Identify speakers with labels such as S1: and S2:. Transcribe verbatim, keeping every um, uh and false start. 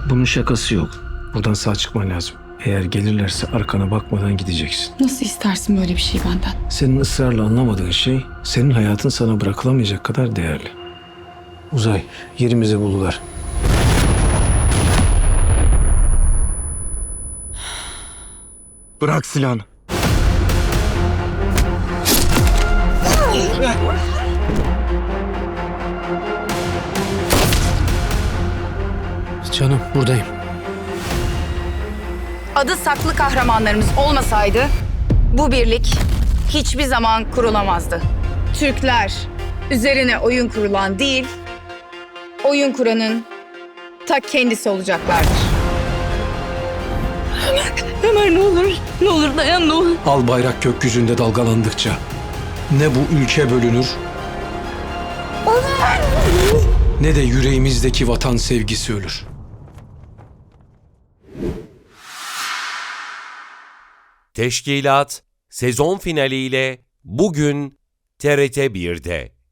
S1: Bunun şakası yok. Buradan sağ çıkman lazım. Eğer gelirlerse arkana bakmadan gideceksin.
S2: Nasıl istersin böyle bir şey benden?
S1: Senin ısrarla anlamadığın şey, senin hayatın sana bırakılamayacak kadar değerli. Uzay, yerimizi buldular. Bırak silahını. Canım, buradayım.
S3: Adı saklı kahramanlarımız olmasaydı bu birlik hiçbir zaman kurulamazdı. Türkler üzerine oyun kurulan değil, oyun kuranın ta kendisi olacaklardır.
S2: Ömer ne olur, ne olur dayan ne olur.
S1: Al bayrak gökyüzünde dalgalandıkça ne bu ülke bölünür ne de yüreğimizdeki vatan sevgisi ölür.
S4: Teşkilat sezon finaliyle bugün T R T bir'de.